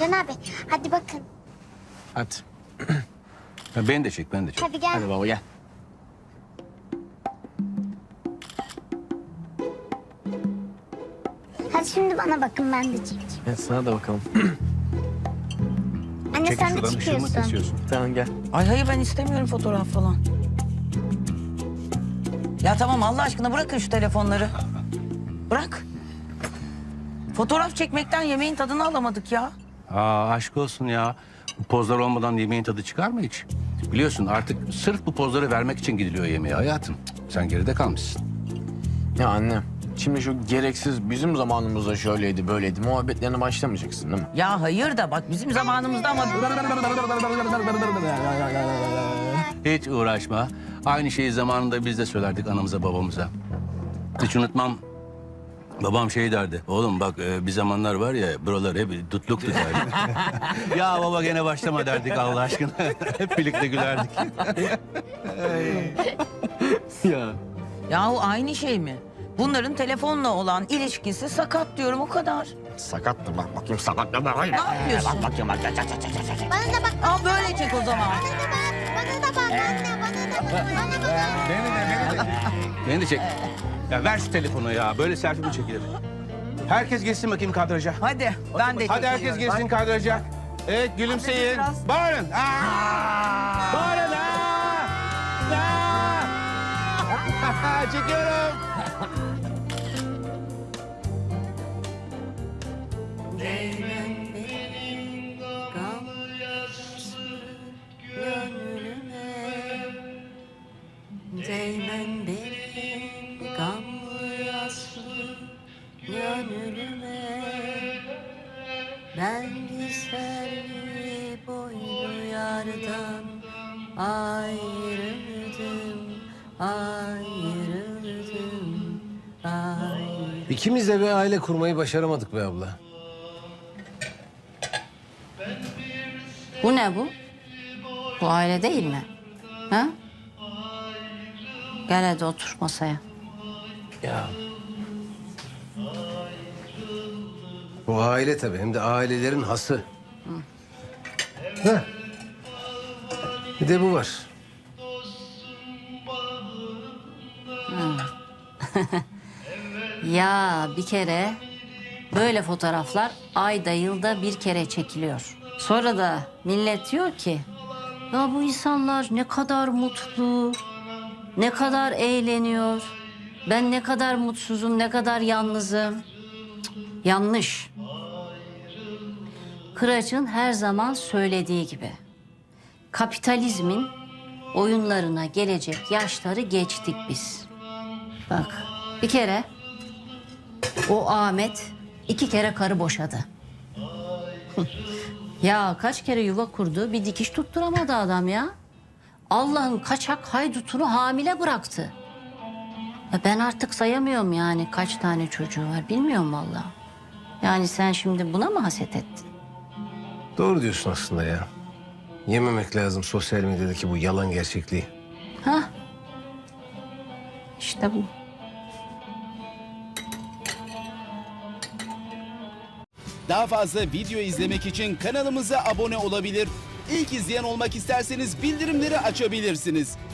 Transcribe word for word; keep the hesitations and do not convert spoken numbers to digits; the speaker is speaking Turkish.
Can abi hadi bakın. Hadi. Ya beni de çek, beni de çek. Hadi gel. Hadi baba gel. Hadi şimdi bana bakın ben de çekeceğim. Evet, sana da bakalım. Anne Çek sen de şuradan, ışığımı çıkıyorsun. kesiyorsun. Tamam gel. Ay hayır, ben istemiyorum fotoğraf falan. Ya tamam, Allah aşkına bırakın şu telefonları. Bırak. Fotoğraf çekmekten yemeğin tadını alamadık ya. Aa, aşk olsun ya. Bu pozlar olmadan yemeğin tadı çıkar mı hiç? Biliyorsun artık sırf bu pozları vermek için gidiliyor yemeğe hayatım. Cık, sen geride kalmışsın. Ya anne, şimdi şu gereksiz bizim zamanımızda şöyleydi böyleydi muhabbetlerine başlamayacaksın değil mi? Ya hayır da bak, bizim zamanımızda ama... Hiç uğraşma. Aynı şeyi zamanında biz de söylerdik anamıza babamıza. Hiç unutmam. Babam şey derdi. Oğlum bak e, bir zamanlar var ya buralar hep tutluktu derdi. Ya baba gene başlama derdik Allah aşkına. Hep birlikte gülerdik. Ya. Yahu aynı şey mi? Bunların telefonla olan ilişkisi sakat diyorum, o kadar. Sakattı bak bakayım sakattı. Ne yapıyorsun? Bak bakayım bak. Bak, bak, bak, bak. Bana da bak. Aa, böyle çek o zaman. Bana da bak. Bana da bak anne. Bana da bak. Bana da bak. Beni de, beni de. Beni de çek. Ya ver şu telefonu ya. Böyle selfie mi çekilir? Herkes geçsin bakayım kadraja. Hadi, ben de Hadi herkes çekiliyorum. geçsin kadraja. Evet gülümseyin. Biraz- Bağırın. Aa! Bağırın. Aa! Aa! Çekiyorum. Değmen benim gamlı yaslı gönlüme. Ben güzelliği boylu yardan ayrıldım, ayrıldım, ayrıldım. İkimiz de bir aile kurmayı başaramadık be abla. Bu ne bu? Bu aile değil mi? Ha? Gel hadi otur masaya. Ya. Bu aile tabii hem de ailelerin hası. Heh. Bir de bu var. Ya bir kere böyle fotoğraflar ayda yılda bir kere çekiliyor. Sonra da millet diyor ki ya bu insanlar ne kadar mutlu, ne kadar eğleniyor. Ben ne kadar mutsuzum, ne kadar yalnızım. Cık, yanlış. Kıraç'ın her zaman söylediği gibi. Kapitalizmin oyunlarına gelecek yaşları geçtik biz. Bak bir kere o Ahmet iki kere karı boşadı. Ya kaç kere yuva kurdu, bir dikiş tutturamadı adam ya. Allah'ın kaçak haydutunu hamile bıraktı. Ya ben artık sayamıyorum yani kaç tane çocuğu var, bilmiyorum vallahi. Yani sen şimdi buna mı haset ettin? Doğru diyorsun aslında ya. Yememek lazım sosyal medyadaki bu yalan gerçekliği. Hah. İşte bu. Daha fazla video izlemek için kanalımıza abone olabilir. İlk izleyen olmak isterseniz bildirimleri açabilirsiniz.